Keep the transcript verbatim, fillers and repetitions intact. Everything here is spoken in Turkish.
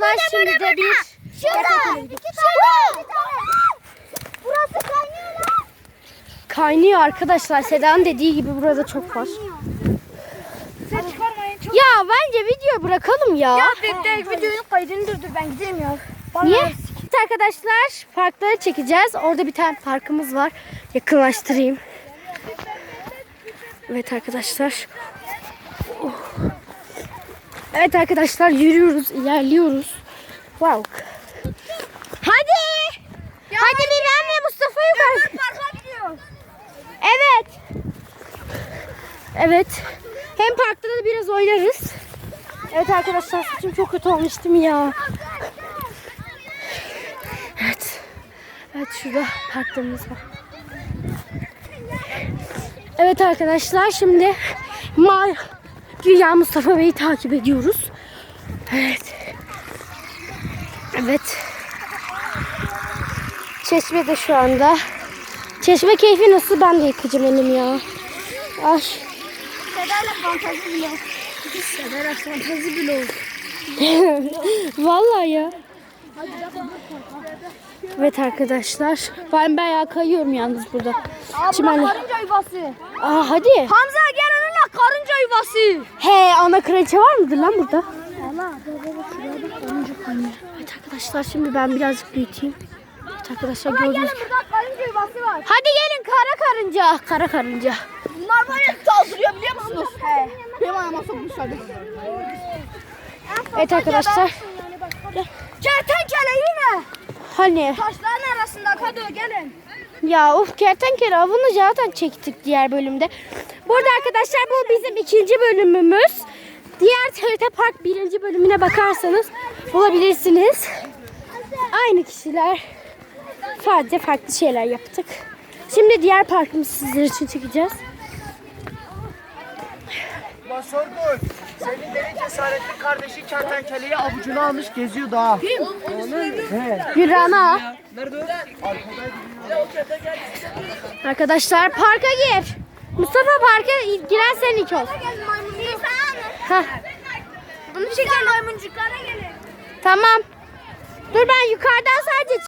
arkadaşlar şimdi de bir Şurada. Burası kaynıyor lan. kaynıyor arkadaşlar. Seda'nın dediği gibi burada çok var. Ses çıkarmayın. Çok... Ya bence video bırakalım ya. Ya bekle videonun kaydını durdur ben gideyim ya. Niye? Evet arkadaşlar parkları çekeceğiz. Orada bir tane parkımız var. Yakınlaştırayım. Evet arkadaşlar. Oh. Evet arkadaşlar yürüyoruz, ilerliyoruz. Wow. Hadi. Ya Hadi Miran ve Mustafa yukarı. parka gidiyoruz. Evet. Evet. Hem parkta da biraz oynarız. Evet arkadaşlar saçım çok kötü olmuş değil mi ya? Evet. Evet şurada parklarımız var. Evet arkadaşlar şimdi Ma Güya Mustafa Bey'i takip ediyoruz. Evet. Evet. Çeşmede şu anda. Çeşme keyfi nasıl? Ben de yıkayacağım elim ya. Ay. Seda'yla fantazi bile olsun. Seda'yla fantazi bile olsun. Vallahi ya. Evet arkadaşlar. Ben bayağı kayıyorum yalnız burada. Çimenle. Karınca yuvası. Aa hadi. Hamza gel onunla karınca yuvası. He ana kraliçe var mıdır lan burada? Valla baba şuraya bak karınca kaynıyor. Evet arkadaşlar şimdi ben birazcık büyüteyim. Evet arkadaşlar Gelin gördünüz. burada karınca yuvası var. Hadi gelin kara karınca. Kara karınca. Bunlar böyle saldırıyor biliyor musunuz? He. Benim ayağıma sokmuşlar. Evet arkadaşlar. Kertenkele yine. Hani Taşların arasında Kadı gelin. ya of kertenkele avını zaten çektik diğer bölümde. Burada arkadaşlar bu bizim ikinci bölümümüz. Diğer T R T Park birinci bölümüne bakarsanız bulabilirsiniz. Aynı kişiler. Sadece farklı şeyler yaptık. Şimdi diğer parkımızı sizler için çekeceğiz. Sorgun. Senin derin cesaretli kardeşi kertenkeleyi avucuna almış geziyor daha. Kim? Gülrana. Nerede o? Arkadaşlar parka gir. Mustafa parka giren sen ilk ol. Heh, Bunu çeken maymuncuklara gelin. tamam. Dur ben yukarıdan sadece